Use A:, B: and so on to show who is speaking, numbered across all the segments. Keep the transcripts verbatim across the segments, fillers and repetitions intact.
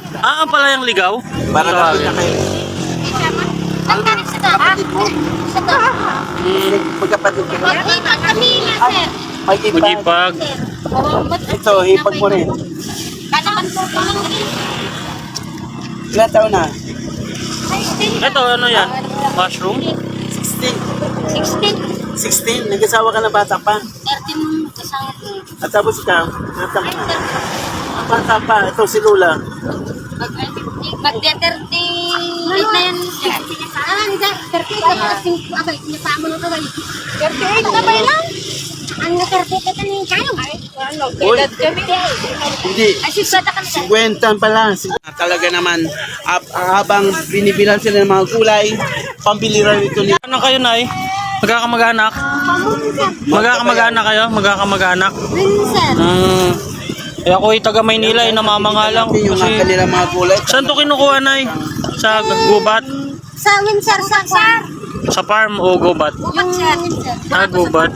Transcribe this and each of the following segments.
A: Ah, ang palayang ligaw?
B: Para
A: Tawagin.
B: nakita kayo.
C: Ang ganit sa ta, ha? Sa ta.
A: Hmm,
B: Magkapatid kayo.
C: Mag-ipag kami na, sir.
B: Mag-ipag.
A: Magipag.
C: Oh, ba't-
B: Ito, hipag mo rin.
C: Kanaman po ko lang rin.
B: Ilan taon na?
A: Ito, ano yan? Mushroom?
B: sixteen.
C: sixteen.
B: sixteen. Nag-asawa ka na bata pa.
C: thirteen nung kasama ko.
B: At tapos ikaw, ilan taon
C: Ay,
B: na?
C: sir.
B: Bata pa. Ito si Lula.
C: Mag-thirty. Eight na yan. Ah, hindi. thirty-eight. Abay, sinasama mo ito, bay. thirty-eight na ba lang? Ang na-thirty-eight ka ni Kayo.
B: Uy, hindi.
C: Ay, sisata ka na.
B: Kwentan pala. Talaga naman, ab- habang binibilan sila ng mga gulay, pambili rin ito ni...
A: Ano kayo, Nay? Magkakamag-anak? Magkakamag-anak kayo? Magkakamag-anak?
C: Vincent.
A: Hmm. Eh ako'y taga Maynila, eh, namamanga lang.
B: Yung mga
A: Kasi,
B: kanilang mga gulay.
A: saan to kinukuha, Nay? Sa gubat?
C: Sa Windsor, sa Sar.
A: Sa farm o gubat?
C: Yung Windsor.
A: Ah, gubat.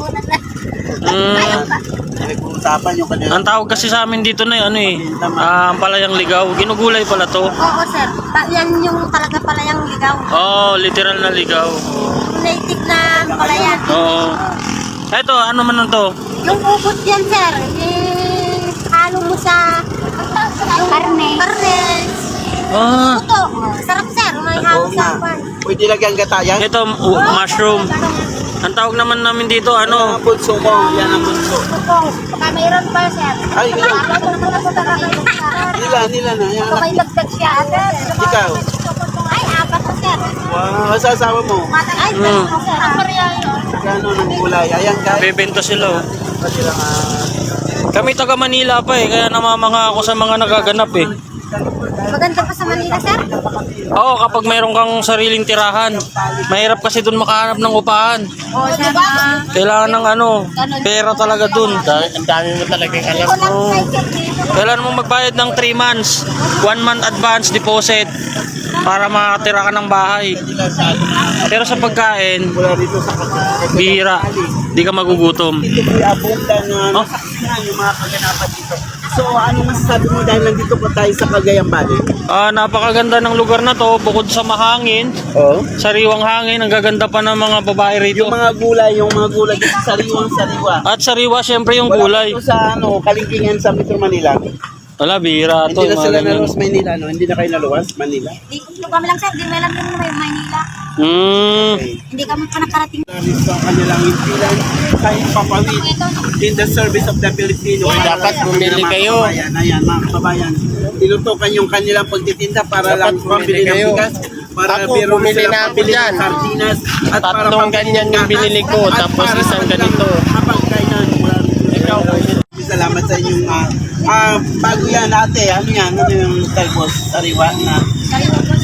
A: Hmm.
B: Nag-uusapan yung kanilang...
A: Ang tawag kasi sa amin dito na ano eh, ah, ang palayang ligaw. Ginugulay pala to.
C: Oo, sir. Pa, yan yung talaga pala yung ligaw.
A: Oh, literal na ligaw.
C: Native na pala yan.
A: Oo. Eto, ano man to?
C: Yung ubot yan, sir. Eh, halo mo sa... Karne. Karne.
A: Ah,
C: Ito. Sarap, sir. May halo
B: Oo
C: sa
B: nga.
C: pan.
B: Pwede lagyan gatayan.
A: ito uh, mushroom. Ang tawag naman namin dito
B: Ano
A: ano?
B: ang bunso mo? Yan ang bunso.
C: Ito. Baka mayroon pa, sir.
B: Ay, ilan? Nila, nila na. Yan
C: Baka
B: anak.
C: may dagdag siya, sir.
B: Ikaw.
C: Ay, apat na, sir.
B: Wow, asasawa mo.
C: Ay,
A: Hmm.
C: sir. Ang pareha yun.
B: Gano'n ng gulay. Ayan guys.
A: Bebenta sila. Oh.
B: Kasi lang ah,
A: Kami taga Manila pa eh, kaya namamanga ako sa mga nagaganap eh.
C: Maganda pa sa Manila, sir.
A: Oo, kapag mayroon kang sariling tirahan, mahirap kasi dun makahanap ng upahan.
C: Oo, sir. Ah,
A: Kailangan ng ano, pera talaga dun.
D: Ang dami mo talagang alam.
C: Walang
A: Oo.
C: cycle dito.
A: Kailangan mo magbayad ng three months, one month advance deposit para makatira ka ng bahay. Pero sa pagkain,
B: mula dito sa Cagayan.
A: bihira, di ka magugutom.
B: Ito po yung abundan na
A: Oh.
B: nasaksihan yung mga kaganapan dito. So, ano masasabi mo dahil nandito po tayo sa Cagayan Valley?
A: Ah, napakaganda ng lugar na to, bukod sa mahangin,
B: Oo.
A: sariwang hangin, ang gaganda pa ng mga babae rito.
B: Yung mga gulay, yung mga gulay, yung sariwang sariwa.
A: At sariwa, syempre yung
B: Wala
A: gulay.
B: po ito sa ano, Kalingkingan sa Metro Manila.
A: Wala, bihira to.
B: Hindi na
A: mga
B: sila
A: ganyan.
B: naluwas Manila, no? Hindi na kayo naluwas Manila.
C: Di ko kami lang, sir. Di may alam yun na may Manila.
A: Hmm.
B: Okay.
C: Hindi kami pa nakarating.
B: Dito ang kanilang impilan kahit papawid in the service of the Filipino.
D: Uy, dapat bumili
B: Mga
D: kayo.
B: kababayan, ayan, mga kababayan. Tinutukan yung kanilang pagtitinda para
D: Dapat
B: lang
D: bumili
B: pambili ng
D: kayo.
B: bigas. Para
D: Ako,
B: biro
D: bumili
B: sila
D: na ako
B: pambili ng
D: dyan.
B: sardinas. At para
D: Tatlong
B: pambili
D: ganyan
B: ng
D: yung
B: gatas.
D: binili ko,
B: At
D: tapos
B: para
D: isang
B: sa
D: ganito.
B: Habang kainan, ikaw, salamat sa inyong ah ah, bago yan ate, ano yan, ano yung talbos, sariwa na
C: Sariwa po,